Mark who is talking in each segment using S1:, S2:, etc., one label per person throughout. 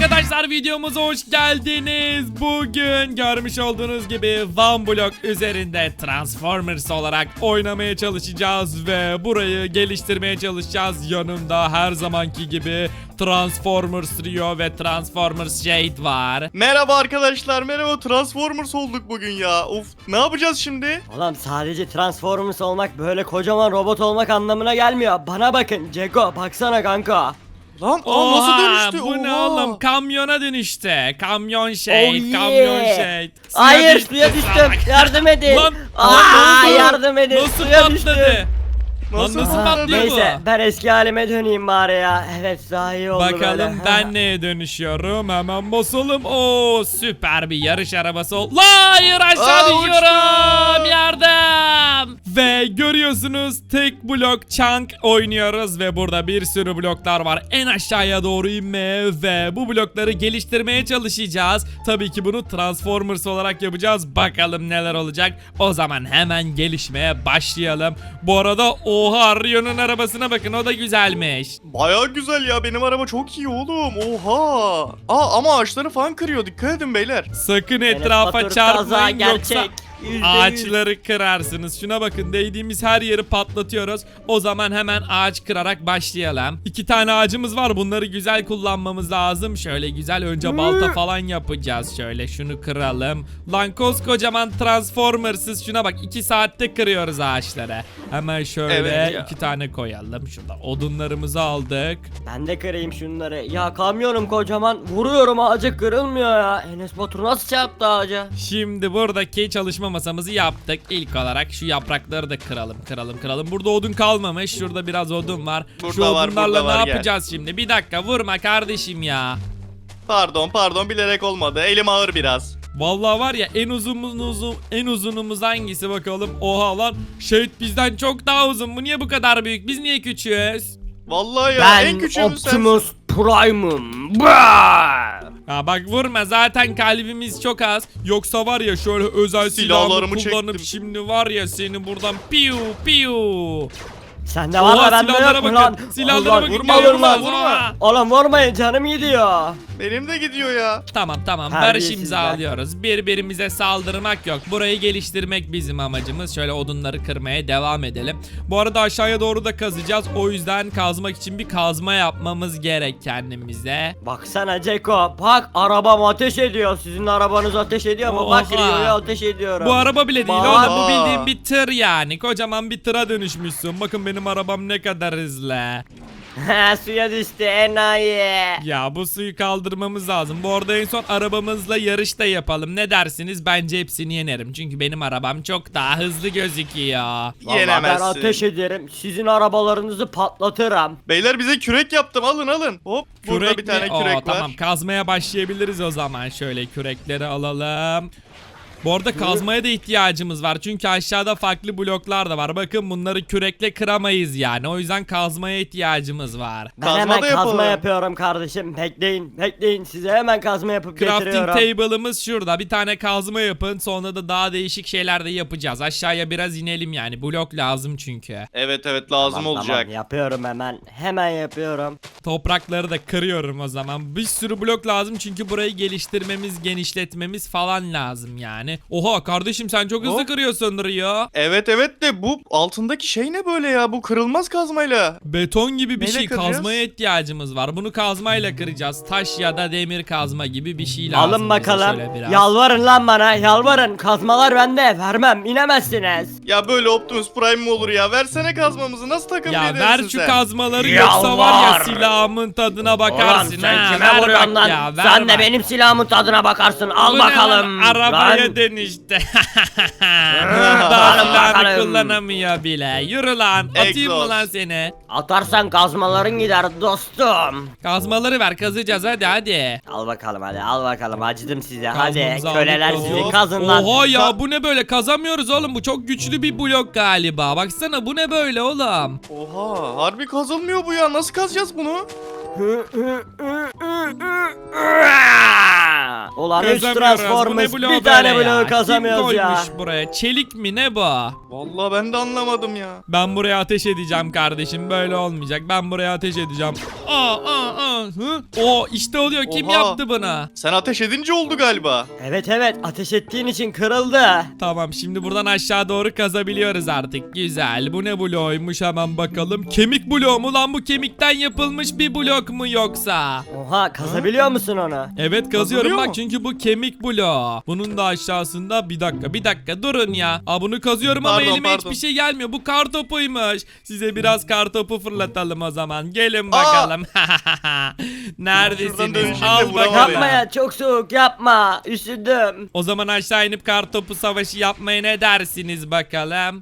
S1: Arkadaşlar videomuza hoş geldiniz. Bugün görmüş olduğunuz gibi One Block üzerinde Transformers olarak oynamaya çalışacağız ve burayı geliştirmeye çalışacağız. Yanımda her zamanki gibi Transformers Rio ve Transformers Shade var.
S2: Merhaba arkadaşlar, merhaba. Transformers olduk bugün ya. Of, ne yapacağız şimdi?
S3: Oğlum sadece Transformers olmak böyle kocaman robot olmak anlamına gelmiyor. Bana bakın Ceko, baksana kanka.
S2: Lan
S1: Oha,
S2: nasıl dönüştü?
S1: bu ne
S2: Oha.
S1: oğlum? Kamyona dönüştü. Kamyon Shade,
S3: Oh yeah.
S1: kamyon Shade.
S3: Hayır suya düştüm.
S1: salak.
S3: Yardım edin.
S1: Lan,
S3: Aa,
S1: ne oldu?
S3: yardım edin.
S1: Nasıl
S3: Suya düştüm.
S1: patladı?
S2: Nasıl
S1: Nasıl
S2: patladı?
S1: patlıyor bu?
S3: Neyse ben eski halime döneyim bari ya. Evet daha iyi oldu böyle.
S1: Bakalım ben neye dönüşüyorum. Hemen basalım. Oo, süper bir yarış arabası oldu. Hayır, aşağı düşüyorum. Yardım. Ve görüyorsunuz tek blok chunk oynuyoruz ve burada bir sürü bloklar var. En aşağıya doğru inmeye ve bu blokları geliştirmeye çalışacağız. Tabii ki bunu Transformers olarak yapacağız. Bakalım neler olacak. O zaman hemen gelişmeye başlayalım. Bu arada oha, Rio'nun arabasına bakın, o da güzelmiş.
S2: Baya güzel ya, benim araba çok iyi oğlum. Oha. Ama ağaçları falan kırıyor, dikkat edin beyler.
S1: Sakın
S3: Enes
S1: etrafa
S3: Batur kaza
S1: çarpmayın yoksa
S3: gerçek. %100.
S1: ağaçları kırarsınız. Şuna bakın, değdiğimiz her yeri patlatıyoruz. O zaman hemen ağaç kırarak başlayalım. 2 tane ağacımız var, bunları güzel kullanmamız lazım. Şöyle güzel önce balta falan yapacağız. Şöyle şunu kıralım. Lan koskocaman Transformers'ız, şuna bak, 2 saatte kırıyoruz ağaçları. Hemen şöyle
S2: Evet ya.
S1: 2 tane koyalım. Şurada odunlarımızı aldık.
S3: Ben de kırayım şunları. Ya kamyonum kocaman. Vuruyorum ağaca kırılmıyor ya. Enes Batur nasıl çarptı ağaca?
S1: Şimdi buradaki çalışma masamızı yaptık. İlk olarak şu yaprakları da kıralım. Burada odun kalmamış. Şurada biraz odun var.
S2: Burada
S1: Şu
S2: var,
S1: odunlarla
S2: burada var,
S1: ne
S2: gel.
S1: yapacağız şimdi? Bir dakika, vurma kardeşim ya.
S2: Pardon, bilerek olmadı. Elim ağır biraz.
S1: Vallahi var ya, en uzunumuz hangisi bakalım? Oha lan, Shade bizden çok daha uzun. Bu niye bu kadar büyük? Biz niye küçüğüz?
S2: Vallahi ya, en
S3: Ben
S2: küçüğümüz
S3: Optimus
S2: sensin.
S3: Prime'ım. Bah!
S1: Ha bak, vurma, zaten kalbimiz çok az. Yoksa var ya, şöyle özel silahımı
S2: Silahlarımı
S1: kullanıp
S2: çektim.
S1: şimdi var ya seni buradan piu.
S3: Sende var
S1: Oha,
S3: da bende
S1: silahlara
S3: yok mu
S1: bakın.
S3: lan?
S1: Silahlara
S3: Allah,
S1: bakın.
S3: vurma,
S1: Vurma,
S3: vurma. Oğlum vurmayın, canım gidiyor.
S2: Benim de gidiyor ya.
S1: Tamam barış
S3: Terbiyesizler.
S1: imzalıyoruz. Birbirimize saldırmak yok. Burayı geliştirmek bizim amacımız. Şöyle odunları kırmaya devam edelim. Bu arada aşağıya doğru da kazacağız. O yüzden kazmak için bir kazma yapmamız gerek kendimize.
S3: Baksana Ceko, bak arabam ateş ediyor. Sizin arabanız ateş ediyor mu? Bak
S1: Oha.
S3: Rio'ya ateş ediyorum.
S1: Bu araba bile değil
S3: Bak.
S1: oğlum, bu bildiğin bir tır yani. Kocaman bir tıra dönüşmüşsün. Bakın benim arabam ne kadar hızlı.
S3: Suya düştü enayi.
S1: Ya bu suyu kaldırmamız lazım. Bu arada en son arabamızla yarış da yapalım. Ne dersiniz? Bence hepsini yenerim. Çünkü benim arabam çok daha hızlı gözüküyor.
S3: Vallahi ben
S2: Yenemezsin.
S3: ateş ederim. Sizin arabalarınızı patlatırım.
S2: Beyler bize kürek yaptım, alın. Hop, burada
S1: Kürek
S2: bir tane
S1: mi?
S2: kürek
S1: Oo,
S2: var.
S1: tamam, kazmaya başlayabiliriz o zaman. Şöyle kürekleri alalım. Bu arada kazmaya da ihtiyacımız var. Çünkü aşağıda farklı bloklar da var. Bakın bunları kürekle kıramayız yani. O yüzden kazmaya ihtiyacımız var.
S3: Ben
S2: Kazma
S3: hemen
S2: da
S3: kazma
S2: yapalım.
S3: yapıyorum kardeşim. Bekleyin. Size hemen kazma yapıp
S1: Crafting
S3: getiriyorum.
S1: table'ımız şurada. Bir tane kazma yapın. Sonra da daha değişik şeyler de yapacağız. Aşağıya biraz inelim yani. Blok lazım çünkü.
S2: Evet lazım
S3: Tamam,
S2: olacak.
S3: yapıyorum hemen. Hemen yapıyorum.
S1: Toprakları da kırıyorum o zaman. Bir sürü blok lazım çünkü burayı geliştirmemiz, genişletmemiz falan lazım yani. Oha kardeşim, sen çok hızlı
S2: Hop.
S1: kırıyorsun Rio.
S2: Evet de bu altındaki şey ne böyle ya? Bu kırılmaz kazmayla.
S1: Beton gibi bir
S2: Neyle
S1: şey,
S2: kıracağız?
S1: kazmaya ihtiyacımız var. Bunu kazmayla kıracağız. Taş ya da demir kazma gibi bir şey lazım.
S3: Alın
S1: bize
S3: bakalım.
S1: şöyle biraz.
S3: Yalvarın lan bana. Yalvarın. Kazmalar bende. Vermem. İnemezsiniz.
S2: Ya böyle Optimus Prime mi olur ya? Versene kazmamızı, nasıl takım
S1: Ya
S2: lidersin
S1: ver şu
S2: sen?
S1: kazmaları, yoksa var ya
S3: Yalvar.
S1: silahımın tadına bakarsın.
S3: Ulan sen
S1: ha.
S3: kime
S1: Ver
S3: vuruyorsun
S1: bak
S3: lan?
S1: ya, ver
S3: Sen de
S1: bak.
S3: benim silahımın tadına bakarsın. Al
S1: Bu ne lan?
S3: bakalım.
S1: Arabaya
S3: Lan.
S1: dönüştü. Daha
S3: Alın
S1: silahını
S3: bakalım.
S1: kullanamıyor bile. Yürü lan. Atayım mı
S2: Egzoz.
S1: lan seni?
S3: Atarsan kazmaların gider dostum.
S1: Kazmaları ver, kazacağız hadi.
S3: Al bakalım hadi, al bakalım, acıdım size. Hadi
S1: Kazmamızı
S3: köleler
S1: aldık,
S3: sizi
S2: hop.
S3: kazın lan.
S1: Oha ya, bu ne böyle, kazamıyoruz oğlum, bu çok güçlü bir blok galiba. Baksana, bu ne böyle oğlum?
S2: Oha, harbi kazılmıyor bu ya. Nasıl kazacağız bunu?
S3: Ulan 3
S1: Kazamıyoruz.
S3: Transformers
S1: Bu ne bloğu
S3: bir tane
S1: böyle ya?
S3: bloğu kazamıyoruz
S1: Kim
S3: ya.
S1: koymuş buraya? Çelik mi ne bu?
S2: Vallahi ben de anlamadım ya.
S1: Ben buraya ateş edeceğim kardeşim. Böyle olmayacak. Ben buraya ateş edeceğim. Hı? O işte oluyor. Kim
S2: Oha.
S1: yaptı bunu?
S2: Sen ateş edince oldu galiba.
S3: Evet ateş ettiğin için kırıldı.
S1: Tamam şimdi buradan aşağı doğru kazabiliyoruz artık. Güzel. Bu ne bloğuymuş hemen bakalım. Kemik bloğu mu lan, bu kemikten yapılmış bir blok mu yoksa?
S3: Oha kazabiliyor musun onu?
S1: Evet kazıyorum
S2: Kazılıyor
S1: bak
S2: mu?
S1: çünkü bu kemik bloğu. Bunun da aşağısında bir dakika durun ya. Bunu kazıyorum ama
S2: Pardon,
S1: elime
S2: pardon.
S1: hiçbir şey gelmiyor. Bu kar topuymuş. Size biraz kar topu fırlatalım o zaman. Gelin bakalım.
S2: Şuradan
S1: Neredesiniz?
S2: dönüşünde
S1: Al
S2: vuramadım.
S1: bakalım.
S3: Yapma ya çok soğuk yapma. Üşüdüm.
S1: O zaman aşağı inip kar topu savaşı yapmaya ne dersiniz bakalım?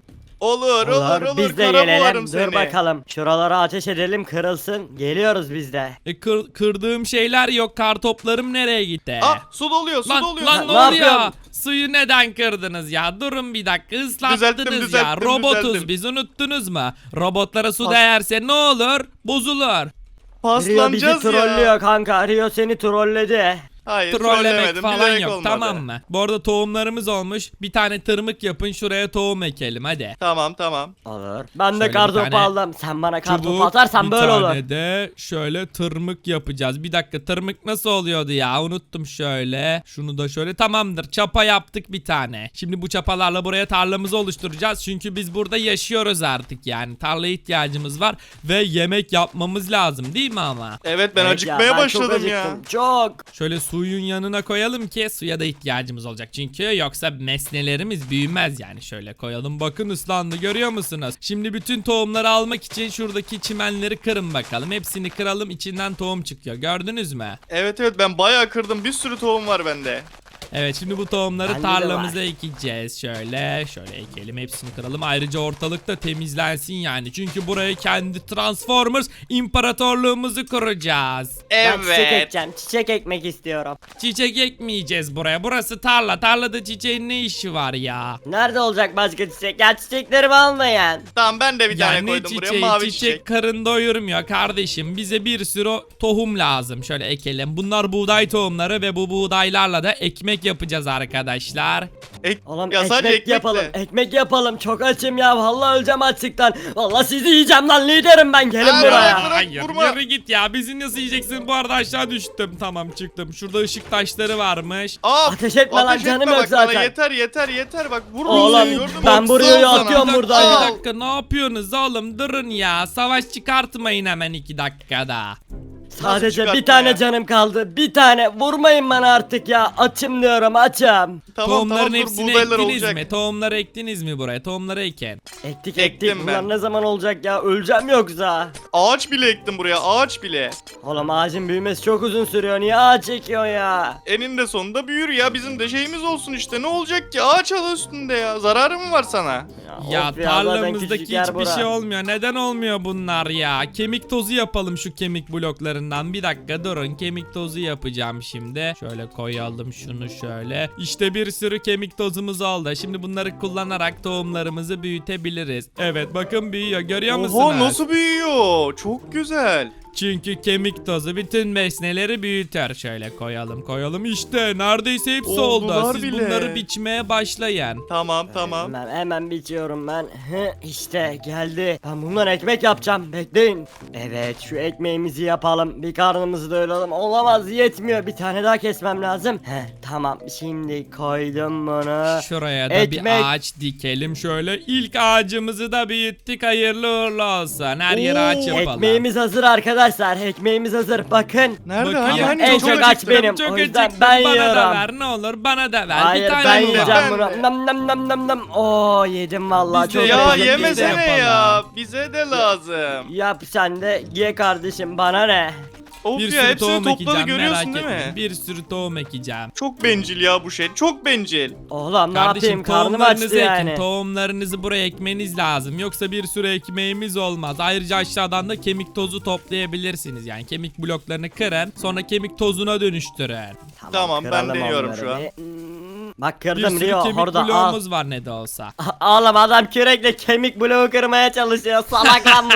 S2: Olur.
S3: Biz de
S2: Kara
S3: gelelim.
S2: bularım
S3: Dur
S2: seni.
S3: bakalım. Şuralara ateş edelim kırılsın. Geliyoruz biz de.
S1: Kırdığım şeyler yok. Kar toplarım nereye gitti?
S2: Su doluyor, su doluyor.
S1: Lan ne
S3: Ne
S1: oluyor?
S3: yapıyorsun?
S1: Suyu neden kırdınız ya? Durun bir dakika, ıslattınız ya.
S2: Düzelttim,
S1: Robotuz
S2: düzelttim.
S1: biz, unuttunuz mu? Robotlara su değerse ne olur? Bozulur.
S3: Rio bizi
S2: Paslanacağız
S3: trollüyor
S2: ya.
S3: kanka. Rio seni trolledi.
S2: Hayır,
S1: Trollemek
S2: trollemedim.
S1: falan
S2: Bilerek
S1: yok,
S2: olmadı.
S1: tamam mı? Bu arada tohumlarımız olmuş. Bir tane tırmık yapın, şuraya tohum ekelim hadi.
S2: Tamam.
S3: Olur. Ben de
S1: Şöyle
S3: kartopu
S1: bir tane
S3: aldım. Sen bana kartopu
S1: Çubuk,
S3: atarsan
S1: bir
S3: böyle olur.
S1: tane de şöyle tırmık yapacağız. Bir dakika, tırmık nasıl oluyordu ya? Unuttum şöyle. Şunu da şöyle, tamamdır. Çapa yaptık bir tane. Şimdi bu çapalarla buraya tarlamızı oluşturacağız. Çünkü biz burada yaşıyoruz artık yani. Tarlaya ihtiyacımız var ve yemek yapmamız lazım değil mi ama?
S2: Evet ben
S3: Evet
S2: acıkmaya
S3: ya, ben
S2: başladım
S3: çok
S2: ya.
S3: acıktım, Çok.
S1: Şöyle suyun yanına koyalım ki suya da ihtiyacımız olacak. Çünkü yoksa nesnelerimiz büyümez yani. Şöyle koyalım, bakın ıslandı, görüyor musunuz? Şimdi bütün tohumları almak için şuradaki çimenleri kırın bakalım. Hepsini kıralım, içinden tohum çıkıyor. Gördünüz mü?
S2: Evet ben bayağı kırdım. Bir sürü tohum var bende.
S1: Evet şimdi bu tohumları
S3: Bende de
S1: tarlamıza
S3: var.
S1: ekeceğiz. Şöyle ekelim, hepsini kıralım. Ayrıca ortalık da temizlensin yani. Çünkü buraya kendi Transformers imparatorluğumuzu kuracağız.
S3: Ben çiçek
S2: Evet.
S3: ekeceğim. Çiçek ekmek istiyorum.
S1: Çiçek ekmeyeceğiz buraya. Burası tarla. Tarlada çiçeğin ne işi var ya?
S3: Nerede olacak başka çiçek? Ya çiçeklerimi almayın.
S2: Tamam ben de bir
S1: Ya
S2: tane
S1: ne
S2: koydum buraya.
S1: çiçeği?
S2: Mavi
S1: Çiçek
S2: çiçek.
S1: karın doyurmuyor kardeşim. Bize bir sürü tohum lazım. Şöyle ekelim. Bunlar buğday tohumları ve bu buğdaylarla da ekmek yapacağız arkadaşlar.
S3: Oğlum
S2: Ya sadece
S3: ekmek
S2: ekmekle.
S3: yapalım. Ekmek yapalım. Çok açım ya. Vallahi öleceğim açlıktan. Vallahi sizi yiyeceğim lan liderim ben. Gelin
S2: Aa,
S3: buraya.
S2: bırak,
S1: Hayır,
S2: vurma.
S1: yürü git ya. Bizi nasıl yiyeceksin? Bu arada aşağı düştüm. Tamam çıktım. Şurada ışık taşları varmış.
S3: Ateş etme lan, canım yok
S2: bak bana,
S3: zaten.
S2: yeter bak vurma
S3: Oğlum,
S2: seni, gördün mü?
S3: ben buraya
S2: Sağ ol sana.
S3: atıyorum buradan
S1: Bir
S3: ya.
S1: dakika ne yapıyorsunuz oğlum? Durun ya. Savaş çıkartmayın hemen 2 dakikada.
S3: Sadece
S2: çıkartma
S3: bir tane
S2: ya?
S3: canım kaldı. Bir tane. Vurmayın bana artık ya. Açım diyorum açım.
S1: Tohumların
S2: dur,
S1: hepsini
S2: buğdaylar
S1: ektiniz
S2: olacak.
S1: mi? Tohumları ektiniz mi buraya? Tohumları eken.
S3: Ektik
S2: Ektim
S3: Bunlar
S2: ben.
S3: ne zaman olacak ya? Öleceğim yoksa.
S2: Ağaç bile ektim buraya, ağaç bile.
S3: Oğlum ağacın büyümesi çok uzun sürüyor. Niye ağaç ekiyor ya?
S2: Eninde sonunda büyür ya, bizim de şeyimiz olsun işte, ne olacak ki, ağaç al üstünde ya, zararı mı var sana?
S1: Ya
S3: of zaten
S1: tarlamızdaki
S3: küçücük yer
S1: hiçbir
S3: bura.
S1: şey olmuyor. Neden olmuyor bunlar ya? Kemik tozu yapalım şu kemik bloklarından. Bir dakika durun. Kemik tozu yapacağım şimdi. Şöyle koyalım şunu şöyle. İşte bir sürü kemik tozumuz oldu. Şimdi bunları kullanarak tohumlarımızı büyütebiliriz. Evet bakın büyüyor. Görüyor musunuz?
S2: Oha, nasıl büyüyor? Çok güzel.
S1: Çünkü kemik tozu bütün besneleri büyüter. Şöyle koyalım. İşte neredeyse hepsi
S2: Oldular
S1: oldu. Siz
S2: bile.
S1: bunları biçmeye başlayın.
S2: Tamam.
S3: Hemen biçiyorum ben. İşte geldi. Ben bundan ekmek yapacağım. Bekleyin. Evet şu ekmeğimizi yapalım. Bir karnımızı doyuralım. Olamaz yetmiyor. Bir tane daha kesmem lazım. Tamam şimdi koydum bunu.
S1: Şuraya da
S3: Ekmek.
S1: bir ağaç dikelim şöyle. İlk ağacımızı da büyüttük. Hayırlı uğurlu olsun. Her yere ağaç yapalım.
S3: Ekmeğimiz hazır arkadaşlar. Ekmeğimiz hazır. Bakın.
S2: Nerede?
S1: Bakayım.
S2: Hani
S3: En
S2: çok
S3: çok aç
S2: acıktım.
S3: benim.
S1: Çok
S3: O yüzden
S1: acıktım.
S3: ben
S1: Bana da
S3: yiyorum.
S1: ver ne olur, bana da ver.
S3: Hayır
S1: bir tane
S3: ben
S1: mi var?
S3: yiyeceğim
S2: Ben
S3: bunu.
S2: de.
S3: Nam. Oo yedim vallahi
S1: Biz de
S3: çok
S1: ya,
S2: Ya
S3: lezzetli.
S2: yemesene
S1: yapalım.
S2: ya, bize de lazım.
S3: Yap sen de ye kardeşim bana ne?
S2: Of
S1: Bir
S2: ya,
S1: sürü
S2: hepsini
S1: tohum
S2: topladı,
S1: ekeceğim,
S2: görüyorsun
S1: merak
S2: değil mi?
S1: etmeyin. Bir sürü tohum ekeceğim.
S2: Çok bencil ya bu şey, çok bencil.
S3: Oğlum ne
S1: Kardeşim
S3: yapayım karnım
S1: tohumlarınızı
S3: açtı
S1: ekin.
S3: yani.
S1: Tohumlarınızı buraya ekmeniz lazım. Yoksa bir sürü ekmeğimiz olmaz. Ayrıca aşağıdan da kemik tozu toplayabilirsiniz. Yani kemik bloklarını kırın. Sonra kemik tozuna dönüştürün.
S2: Tamam, ben
S3: kıralım
S2: deniyorum
S3: onları
S2: şu an.
S3: bir. Bak
S1: Bir
S3: kırdım
S1: sürü
S3: Rio
S1: kemik
S3: orada al.
S1: bloğumuz var ne de olsa.
S3: Oğlum adam kürekle kemik bloğu kırmaya çalışıyor salak lan bu.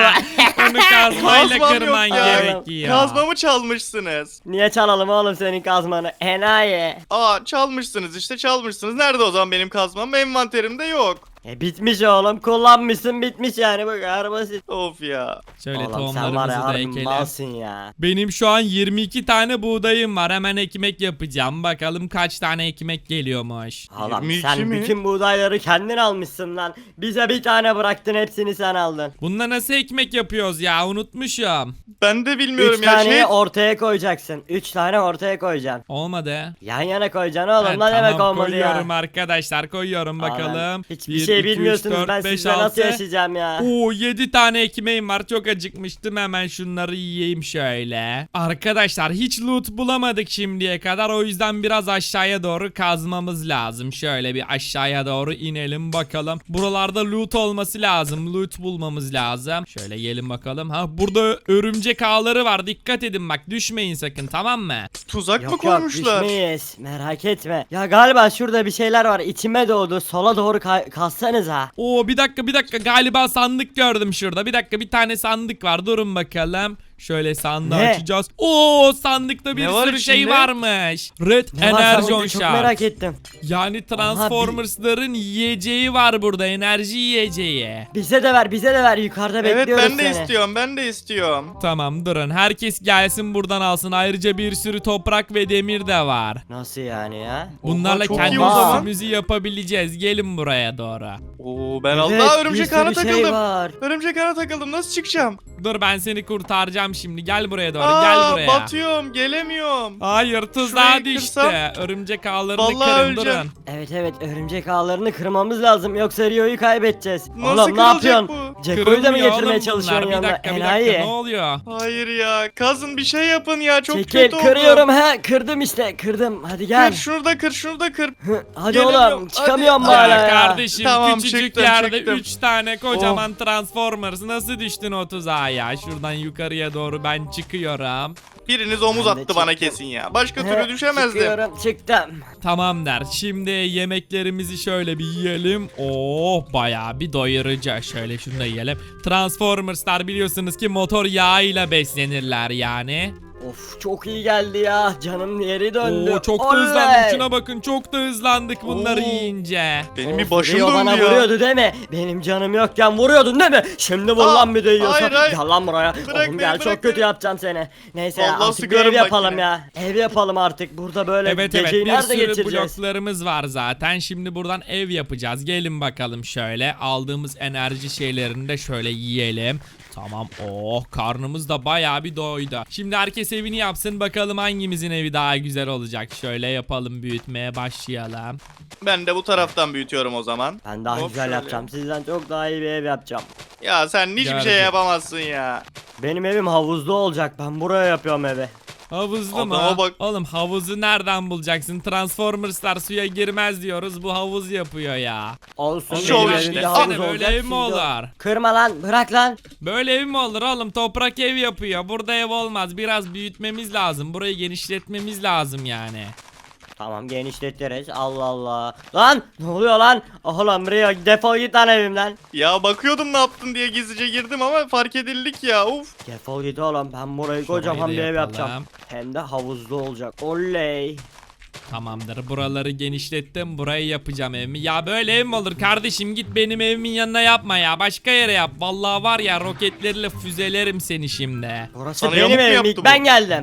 S1: Onu kazmayla
S2: Kazmam
S1: kırman
S2: yok ya.
S1: gerekiyor.
S2: Kazmamı çalmışsınız.
S3: Niye çalalım oğlum senin kazmanı? Enayi.
S2: Aa çalmışsınız işte çalmışsınız. Nerede o zaman benim kazmam? Envanterimde yok.
S3: Bitmiş oğlum, kullanmışsın, bitmiş yani, bu kadar basit.
S2: Of ya.
S1: Şöyle
S3: Oğlum sen var
S1: tohumlarımızı
S3: ya
S1: da
S3: harbi
S1: ekelim.
S3: malsın ya.
S1: Benim şu an 22 tane buğdayım var. Hemen ekmek yapacağım. Bakalım kaç tane ekmek geliyormuş.
S3: Oğlum
S2: 22
S3: sen
S2: mi?
S3: bütün buğdayları kendin almışsın lan. Bize bir tane bıraktın, hepsini sen aldın.
S1: Bununla nasıl ekmek yapıyoruz ya? Unutmuşum.
S2: Ben de bilmiyorum
S3: 3
S2: ya.
S3: taneyi ortaya koyacaksın. 3 tane ortaya koyacaksın.
S1: Olmadı.
S3: Yan yana koyacaksın oğlum.
S1: Ha,
S3: Lan demek
S1: tamam,
S3: olmadı ya.
S1: koyuyorum arkadaşlar. Koyuyorum
S3: Aman,
S1: bakalım.
S3: hiçbir
S1: 1,
S3: şey
S1: 2, 3,
S3: bilmiyorsunuz.
S1: 4,
S3: Ben
S1: 5,
S3: sizle nasıl
S1: 6.
S3: yaşayacağım ya?
S1: Oo 7 tane ekmeğim var. Çok acıkmıştım. Hemen şunları yiyeyim şöyle. Arkadaşlar hiç loot bulamadık şimdiye kadar. O yüzden biraz aşağıya doğru kazmamız lazım. Şöyle bir aşağıya doğru inelim bakalım. Buralarda loot olması lazım. Loot bulmamız lazım. Şöyle gelin bakalım. Ha burada örümcek ağları var. Dikkat edin bak. Düşmeyin sakın, tamam mı?
S2: Tuzak mı
S3: Yok yok,
S2: koymuşlar?
S3: düşmeyiz. Merak etme. Ya galiba şurada bir şeyler var. İçime doğdu. Sola doğru kalsanıza.
S1: Oo bir dakika galiba sandık gördüm şurada. Bir dakika, bir tane sandık var. Durun bakalım. Şöyle sandığı
S3: Ne?
S1: açacağız. Oo sandıkta bir
S2: Ne var
S1: sürü şey
S2: içinde?
S1: varmış. Red
S3: Ne var
S1: Energon
S3: sandıkta? Çok merak
S1: Shard.
S3: ettim.
S1: Yani Transformers'ların yiyeceği var burada. Enerji yiyeceği.
S3: Bize de ver, bize de ver. Yukarıda
S2: Evet
S3: bekliyoruz
S2: ben de
S3: seni.
S2: istiyorum ben de istiyorum.
S1: Tamam durun. Herkes gelsin buradan alsın. Ayrıca bir sürü toprak ve demir de var.
S3: Nasıl yani ya?
S1: Bunlarla
S2: çok
S1: kendi
S2: iyi o zaman.
S1: üstümüzü yapabileceğiz. Gelin buraya doğru.
S2: Oo ben
S3: Evet,
S2: Allah
S3: bir
S2: örümcek
S3: sürü
S2: ağına
S3: şey
S2: takıldım.
S3: var.
S2: Örümcek ağına takıldım. Nasıl çıkacağım?
S1: Dur ben seni kurtaracağım şimdi. Gel buraya doğru. Gel buraya.
S2: Batıyorum gelemiyorum.
S1: Hayır tuzağa
S2: Şurayı
S1: düştü.
S2: kırsam-
S1: Örümcek ağlarını
S2: Vallahi
S1: kırın
S2: öleceğim.
S1: durun.
S3: Evet evet, örümcek ağlarını kırmamız lazım, yoksa Rio'yu kaybedeceğiz.
S2: Nasıl
S3: Oğlum ne
S2: kırılacak
S3: yapıyorsun?
S2: bu?
S3: Ceko'yu da mı
S1: Kırılmıyor
S3: getirmeye
S1: oğlum
S3: çalışıyorsun
S1: bunlar.
S3: yanına?
S1: Bir dakika ne oluyor?
S2: Hayır ya. Kazın bir şey yapın ya. Çok
S3: Çekil,
S2: kötü oldu.
S3: kırıyorum ha, kırdım işte, kırdım. Hadi gel.
S2: Kır şunu da kır şunu da kır.
S3: Hadi
S2: Gelemiyorum,
S3: oğlum, çıkamıyorum
S2: hadi.
S3: hala
S1: Ya
S3: ya.
S1: kardeşim
S2: Tamam,
S1: küçücük
S2: çıktım,
S1: yerde
S2: çıktım.
S1: 3 tane kocaman Transformers nasıl düştün o tuzağa ya? Şuradan yukarıya doğru ben çıkıyorum.
S2: Biriniz omuz
S3: Ben de
S2: attı bana
S3: çıktım.
S2: kesin ya. Başka
S3: He,
S2: türlü düşemezdim.
S3: Çıkıyorum, çıktım.
S1: Tamam der. Şimdi yemeklerimizi şöyle bir yiyelim. Oh bayağı bir doyurucu. Şöyle şunu da yiyelim. Transformers'lar biliyorsunuz ki motor yağıyla beslenirler yani.
S3: Of çok iyi geldi ya. Canım yeri döndü.
S1: Oo çok da
S3: Oley!
S1: hızlandık. Şuna bakın çok da hızlandık bunları
S2: Oo.
S1: yiyince.
S2: Benim bir
S3: Of,
S2: başım
S3: Rio bana
S2: döndü ya.
S3: vuruyordu değil mi? Benim canım yokken vuruyordun değil mi? Şimdi vur lan bir de yiyorsan.
S2: hayır, hayır.
S3: Gel lan buraya.
S2: Bırak
S3: Oğlum
S2: beni,
S3: gel,
S2: bırak
S3: çok kötü
S2: beni.
S3: yapacağım seni. Neyse ya,
S2: Vallahi
S3: artık bir
S2: sıkarım
S3: ev
S2: bak
S3: yapalım
S2: yine.
S3: ya. Ev yapalım artık. Burada böyle
S1: Evet
S3: geceyi
S1: bir
S3: nerede
S1: sürü
S3: geçireceğiz?
S1: bloklarımız var zaten. Şimdi buradan ev yapacağız. Gelin bakalım şöyle. Aldığımız enerji şeylerini de şöyle yiyelim. Tamam. Oh karnımız da bayağı bir doydu. Şimdi herkes evini yapsın. Bakalım hangimizin evi daha güzel olacak. Şöyle yapalım, büyütmeye başlayalım.
S2: Ben de bu taraftan büyütüyorum o zaman.
S3: Ben daha
S2: Hop,
S3: güzel
S2: şöyle.
S3: yapacağım. Sizden çok daha iyi bir ev yapacağım.
S2: Ya sen hiçbir şey
S1: Gördüm.
S2: yapamazsın ya.
S3: Benim evim havuzlu olacak. Ben buraya yapıyorum evi.
S1: Havuzlu mu?
S2: Adama bak.
S1: Oğlum havuzu nereden bulacaksın? Transformers'lar suya girmez diyoruz. Bu havuz yapıyor ya.
S3: Olsun,
S1: Oğlum
S2: Şov
S3: benim
S2: işte.
S3: evimde
S2: Sana
S3: havuz
S1: böyle
S3: olacak.
S1: ev mi
S3: Siz de-
S1: olur?
S3: Kırma lan, bırak lan.
S1: Böyle ev mi olur oğlum? Toprak ev yapıyor. Burada ev olmaz. Biraz büyütmemiz lazım. Burayı genişletmemiz lazım yani.
S3: Tamam, genişletiriz. Allah Allah. Lan ne oluyor lan? Oğlum Rio, defol git lan evimden.
S2: Ya bakıyordum ne yaptın diye gizlice girdim ama fark edildik ya. Uf.
S3: Defol git oğlum, ben burayı
S1: Şurayı
S3: kocaman
S1: da
S3: bir ev
S1: yapalım.
S3: yapacağım. Hem de havuzlu olacak. Oley.
S1: Tamamdır. Buraları genişlettim. Burayı yapacağım evimi. Ya böyle ev mi olur kardeşim? Git benim evimin yanına yapma ya. Başka yere yap. Vallahi var ya roketlerle füzelerim seni şimdi.
S3: Burası
S2: Sana
S3: benim
S2: yamuk mu
S3: evim,
S2: yaptı
S3: ilk
S2: bu?
S3: ben geldim.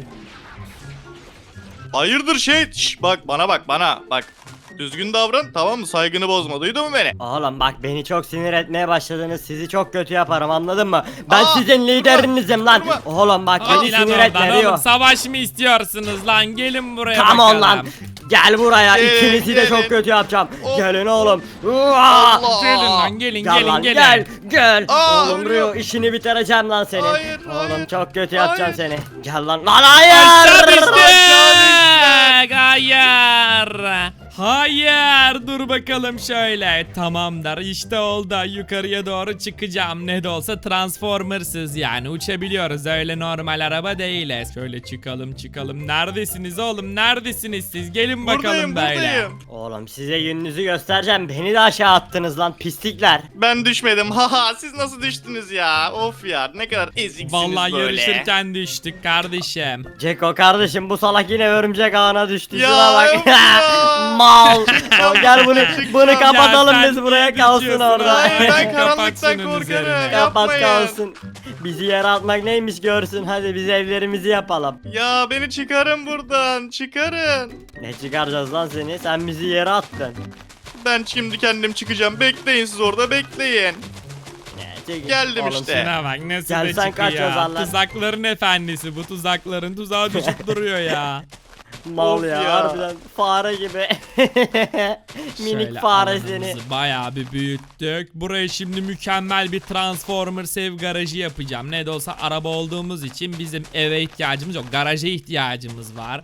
S2: Hayırdır şey? Şş, bak bana bak bana. Bak. Düzgün davran tamam mı? Saygını bozma. Duydun mu beni?
S3: Oğlum bak, beni çok sinir etmeye başladınız. Sizi çok kötü yaparım, anladın mı? Ben
S2: Aa,
S3: sizin liderinizim lan.
S2: durma.
S3: Oğlum bak,
S1: Hadi
S3: beni
S1: lan
S3: sinir
S1: oradan
S3: etme
S1: oğlum.
S3: Rio.
S1: Savaş mı istiyorsunuz lan? Gelin buraya
S3: Come
S1: bakalım.
S3: on lan. Gel buraya, ikinizi de
S2: gelin.
S3: çok kötü yapacağım.
S2: Of.
S3: Gelin oğlum.
S2: Allah.
S1: Gelin lan gelin
S3: Gel
S1: gelin
S3: lan,
S1: gelin.
S3: gel.
S2: Aa,
S3: Oğlum
S2: ölüyor.
S3: Rio, işini bitireceğim lan senin.
S2: Hayır,
S3: Oğlum
S2: hayır,
S3: çok kötü yapacağım
S2: hayır.
S3: seni. Gel lan. Lan hayır.
S1: Aşağı düştük.
S2: Aşağı
S1: Hayır. Hayır. Dur dur bakalım şöyle. Tamamdır işte oldu. Yukarıya doğru çıkacağım. Ne de olsa Transformers'ız yani. Uçabiliyoruz. Öyle normal araba değiliz. Şöyle çıkalım. Neredesiniz oğlum? Neredesiniz siz? Gelin bakalım böyle.
S2: Buradayım.
S3: Oğlum size gününüzü göstereceğim. Beni de aşağı attınız lan pislikler.
S2: Ben düşmedim. Haha siz nasıl düştünüz ya? Of ya ne kadar eziksiniz
S1: Vallahi
S2: böyle.
S1: yarışırken düştük kardeşim.
S3: Ceko kardeşim bu salak yine örümcek ağına düştü.
S2: Ya,
S3: Şuna bak.
S2: yok ya.
S3: Mal. Gel bunu kapatalım
S1: Ya sen
S3: biz buraya
S1: niye
S3: kalsın
S1: düşüyorsun
S3: orada.
S2: Hayır ben
S1: Kapat
S2: karanlıktan
S1: şunun
S2: korkarım.
S1: üzerine.
S3: Kapat
S2: Yapmayın.
S3: kalsın. Bizi yere atmak neymiş görsün. Hadi biz evlerimizi yapalım.
S2: Ya beni çıkarın buradan. Çıkarın.
S3: Ne çıkaracağız lan seni? Sen bizi yere attın.
S2: Ben şimdi kendim çıkacağım. Bekleyin siz orada bekleyin.
S3: Çekil.
S2: Geldim
S3: Oğlum
S2: işte.
S1: Şuna bak nasıl
S3: Gel
S1: da
S3: sen kaç
S1: çıkıyor.
S3: ozanlar.
S1: Tuzakların efendisi bu tuzakların tuzağa düşüp duruyor ya.
S3: Mal
S2: Of
S3: ya,
S2: ya.
S3: harbiden fare gibi. Minik
S1: Şöyle
S3: fare
S1: alanımızı
S3: seni.
S1: bayağı bir büyüttük. Buraya şimdi mükemmel bir Transformers ev garajı yapacağım. Ne de olsa araba olduğumuz için bizim eve ihtiyacımız yok. Garaja ihtiyacımız var.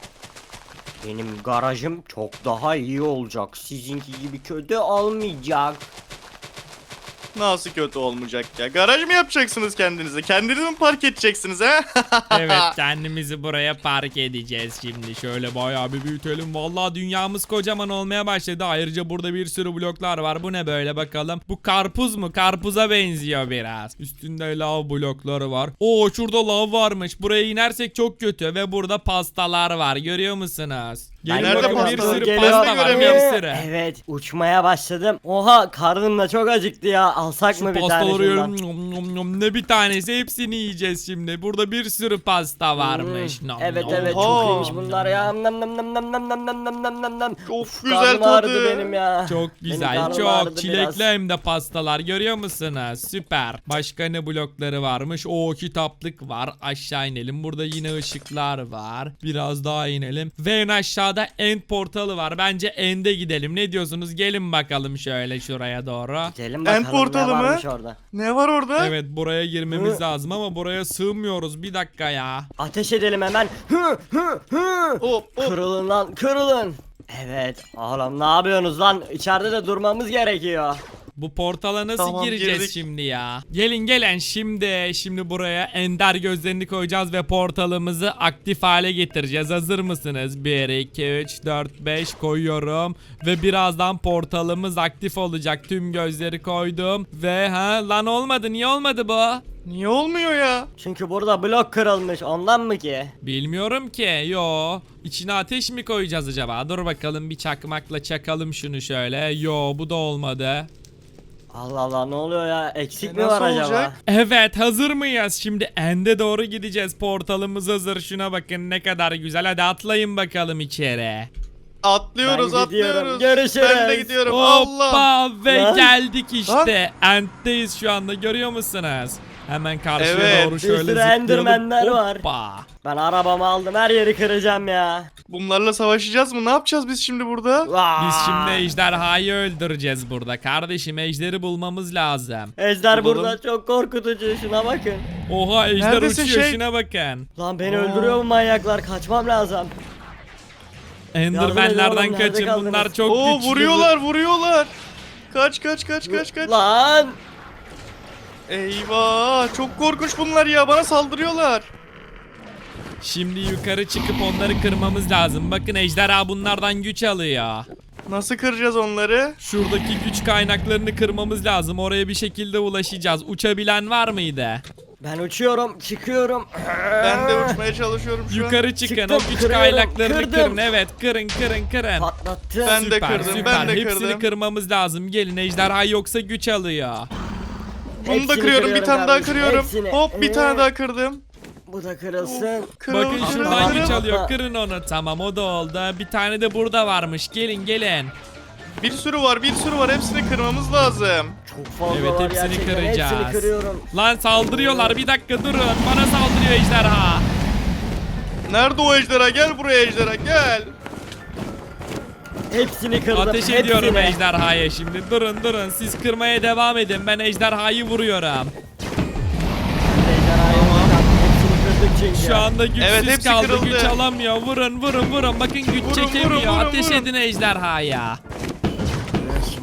S3: Benim garajım çok daha iyi olacak. Sizinki gibi kötü olmayacak.
S2: Nasıl kötü olmayacak ya? Garaj mı yapacaksınız kendinize? Kendiniz mi park edeceksiniz ha?
S1: Evet kendimizi buraya park edeceğiz şimdi. Şöyle bayağı bir büyütelim. Vallahi dünyamız kocaman olmaya başladı. Ayrıca burada bir sürü bloklar var. Bu ne böyle bakalım. Bu karpuz mu? Karpuza benziyor biraz. Üstünde lav blokları var. Oo şurada lav varmış. Buraya inersek çok kötü. Ve burada pastalar var. Görüyor musunuz? Gelin
S2: Nerede
S1: bakın bir
S2: pastalar?
S1: sürü
S2: Geliyor,
S1: pasta var.
S2: göremiyorum.
S1: Bir sürü.
S3: Evet uçmaya başladım. Oha karnım da çok acıktı ya. Alsak
S1: Şu
S3: mı bir tane
S1: pastaları
S3: şundan?
S1: yiyelim. Nom nom nom. Ne bir tanesi hepsini yiyeceğiz şimdi. Burada bir sürü pasta varmış. Nom
S3: Evet
S1: nom.
S3: evet
S2: Oha.
S3: çok iyiymiş bunlar ya. Nam nam nam nam nam nam nam nam nam nam nam.
S2: Çok güzel
S3: Karnım ağrıdı
S2: tadı.
S3: benim ya.
S1: Çok
S3: Benim
S1: güzel,
S3: karnım ağrıdı
S1: çok çilekli
S3: biraz.
S1: hem de pastalar görüyor musunuz? Süper. Başka ne blokları varmış? O kitaplık var. Aşağı inelim. Burada yine ışıklar var. Biraz daha inelim. Ve en aşağıda end portalı var. Bence end'e gidelim. Ne diyorsunuz? Gelin bakalım şöyle şuraya doğru.
S3: Gidelim bakalım
S2: portalı
S3: ne
S2: mı?
S3: varmış orada.
S2: Ne var orada?
S1: Evet buraya girmemiz
S3: Hı.
S1: lazım ama buraya sığmıyoruz. Bir dakika ya.
S3: Ateş edelim hemen. Hı hı hı.
S2: Hop hop.
S3: Kırılın lan kırılın. Evet oğlum ne yapıyorsunuz lan? İçeride de durmamız gerekiyor.
S1: Bu portala nasıl
S2: Tamam,
S1: gireceğiz
S2: girdik.
S1: şimdi ya? Gelin şimdi buraya ender gözlerini koyacağız ve portalımızı aktif hale getireceğiz. Hazır mısınız? 1 2 3 4 5 koyuyorum ve birazdan portalımız aktif olacak. Tüm gözleri koydum ve lan olmadı. Niye olmadı bu?
S2: Niye olmuyor ya?
S3: Çünkü burada blok kırılmış ondan mı ki?
S1: Bilmiyorum ki. Yo. İçine ateş mi koyacağız acaba? Dur bakalım bir çakmakla çakalım şunu şöyle. Yo bu da olmadı.
S3: Allah Allah ne oluyor ya? Eksik mi
S2: Nasıl
S3: var acaba?
S2: olacak?
S1: Evet hazır mıyız? Şimdi ende doğru gideceğiz. Portalımız hazır. Şuna bakın ne kadar güzel. Hadi atlayın bakalım içeri.
S2: Atlıyoruz
S3: Ben gidiyorum.
S2: atlıyoruz.
S3: Görüşürüz.
S2: Ben de gidiyorum. Allah.
S1: Hoppa ve
S3: Lan.
S1: geldik işte. End'deyiz şu anda görüyor musunuz? Hemen karşıya
S2: Evet.
S1: doğru
S3: Bir
S1: şöyle
S3: sürü
S1: zıplayalım.
S3: Enderman'ler var.
S1: Hoppa.
S3: Ben arabamı aldım her yeri kıracağım ya.
S2: Bunlarla savaşacağız mı? Ne yapacağız biz şimdi burada?
S1: Biz şimdi ejderhayı öldüreceğiz burada. Kardeşim ejderi bulmamız lazım.
S3: Ejder
S2: Bulalım.
S3: burada çok korkutucu şuna bakın.
S1: Oha ejder
S2: Neredesin
S1: uçuyor
S2: şey?
S1: şuna bakın.
S3: Lan beni
S2: Aa.
S3: öldürüyor bu manyaklar kaçmam lazım.
S1: Enderman'lerden
S3: oğlum, nerede
S1: kaçın
S3: kaldınız?
S1: bunlar çok
S2: Oo
S1: güçlü.
S2: vuruyorlar. Kaç.
S3: Lan.
S2: Eyvah çok korkunç bunlar ya bana saldırıyorlar.
S1: Şimdi yukarı çıkıp onları kırmamız lazım. Bakın ejderha bunlardan güç alıyor.
S2: Nasıl kıracağız onları?
S1: Şuradaki güç kaynaklarını kırmamız lazım. Oraya bir şekilde ulaşacağız. Uçabilen var mıydı?
S3: Ben uçuyorum çıkıyorum.
S2: Ben de uçmaya çalışıyorum şu an.
S1: Yukarı çıkın.
S3: Çıktım,
S1: O güç
S3: kırıyorum,
S1: kaynaklarını
S3: kırdım.
S1: kırın. Evet kırın.
S3: Patlattım.
S2: Ben de
S1: Süper,
S2: kırdım,
S1: süper.
S2: ben de
S1: Hepsini
S2: kırdım.
S1: kırmamız lazım. Gelin ejderha yoksa güç alıyor.
S2: Bunu da
S3: Hepsini
S2: kırıyorum bir
S3: kırıyorum
S2: tane daha
S3: kardeşim,
S2: kırıyorum.
S3: hepsini.
S2: Hop bir tane daha kırdım.
S3: Bu da kırılsın.
S1: Bakın
S3: kırıl,
S1: şuradan
S3: kırıl.
S1: güç alıyor.
S3: Hatta-
S1: Kırın onu. Tamam o da oldu. Bir tane de burada varmış. Gelin.
S2: Bir sürü var hepsini kırmamız lazım.
S3: Çok fazla
S1: Evet,
S3: var
S1: hepsini
S3: gerçekten.
S1: kıracağız.
S3: Hepsini kırıyorum.
S1: Lan saldırıyorlar. Bir dakika durun. Bana saldırıyor ejderha.
S2: Nerede o ejderha? Gel buraya ejderha gel.
S3: Hepsini kırdım.
S1: Ateş ediyorum
S3: hepsini.
S1: ejderhaya şimdi. Durun. Siz kırmaya devam edin. Ben ejderhayı vuruyorum.
S3: Ejderhayı vuracağım. Hepsini kırdık çünkü.
S1: Şu anda güçsüz
S2: Evet, hepsi
S1: kaldı.
S2: kırıldı.
S1: Güç alamıyor. Vurun. Bakın güç
S2: Vurun,
S1: çekemiyor.
S2: vurun,
S1: Ateş
S2: vurun.
S1: edin ejderhaya.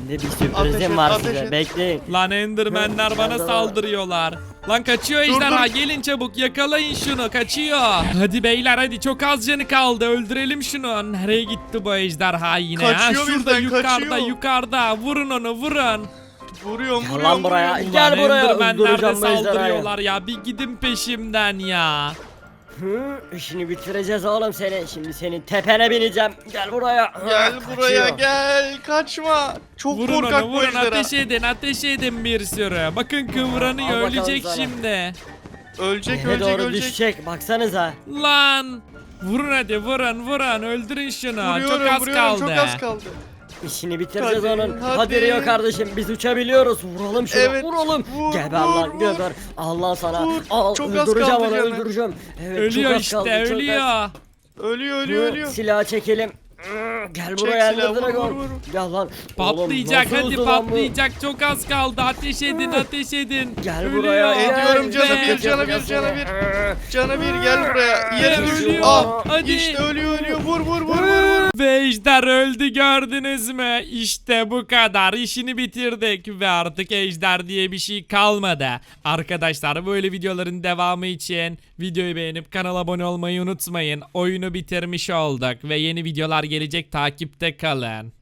S3: Şimdi bir
S2: Ateş
S3: sürprizim
S2: et,
S3: var
S2: ateş
S3: size.
S2: et.
S3: Bekleyin.
S1: Lan Enderman'ler bana saldırıyorlar. Lan kaçıyor ejderha,
S2: dur.
S1: gelin çabuk yakalayın şunu, kaçıyor. Hadi beyler hadi, çok az canı kaldı, öldürelim şunu. Nereye gitti bu ejderha yine?
S2: Kaçıyor
S1: Şurada
S2: bizden,
S1: yukarıda
S2: kaçıyor.
S1: yukarıda, vurun onu vurun.
S2: Vuruyorum
S3: Gel
S2: vuruyorum
S3: lan buraya.
S2: vuruyorum.
S3: Gel
S1: Ulan
S3: buraya,
S1: Enderman'ler de
S3: öldüreceğim bu ejderhayı.
S1: saldırıyorlar ya, bir gidin peşimden ya.
S3: İşini bitireceğiz oğlum seni. Şimdi senin tepene bineceğim. Gel buraya.
S2: Gel
S3: Kaçıyor.
S2: buraya gel kaçma. Çok
S1: Vurun
S2: korkak
S1: onu,
S2: bu
S1: vurun,
S2: ejderha.
S1: ateş edin bir sürü. Bakın kıvranıyor,
S3: Al bakalım
S1: ölecek
S3: sana.
S1: şimdi.
S2: Ölecek
S3: Yere
S2: ölecek
S3: doğru
S2: ölecek.
S3: düşecek. Baksanıza.
S1: Lan vurun hadi, vurun öldürün şunu, çok
S2: Vuruyorum
S1: az
S2: vuruyorum
S1: kaldı.
S2: çok az kaldı.
S3: İşini bitireceğiz
S2: Hadi,
S3: onun.
S2: hadi.
S3: Hadi Rio kardeşim, biz uçabiliyoruz. Vuralım şunu.
S2: Evet,
S3: Vuralım.
S2: vur,
S3: Geber
S2: vur,
S3: lan
S2: vur.
S3: geber. Allah sana.
S2: Vur.
S3: Al,
S2: Çok az
S3: öldüreceğim
S2: kaldı
S3: onu,
S2: canı.
S3: öldüreceğim. Evet,
S1: Ölüyor
S3: çok az
S1: işte,
S3: kaldı, çok az.
S1: ölüyor.
S2: Ölüyor ölüyor ölüyor.
S3: Silahı çekelim. Gel
S2: Çek
S3: buraya
S2: silahı,
S3: Ender
S2: vur,
S3: Dragon.
S2: vur, vur.
S3: Gel lan.
S1: Patlayacak,
S3: Oğlum, nasıl
S1: hadi
S3: hızlı lan bu?
S1: patlayacak, çok az kaldı, ateş edin, ateş edin.
S3: Gel
S1: Ölüyor.
S3: buraya.
S2: Ediyorum canı
S1: Ve-
S2: bir canı bir canı bir. Canı bir gel buraya. Yere düş.
S1: Ölüyor.
S2: Ah
S1: Hadi.
S2: işte ölüyor vur vur vur vur.
S1: Ve ejder öldü, gördünüz mü? İşte bu kadar, işini bitirdik ve artık ejder diye bir şey kalmadı. Arkadaşlar böyle videoların devamı için videoyu beğenip kanala abone olmayı unutmayın. Oyunu bitirmiş olduk ve yeni videolar gelecek, takipte kalın.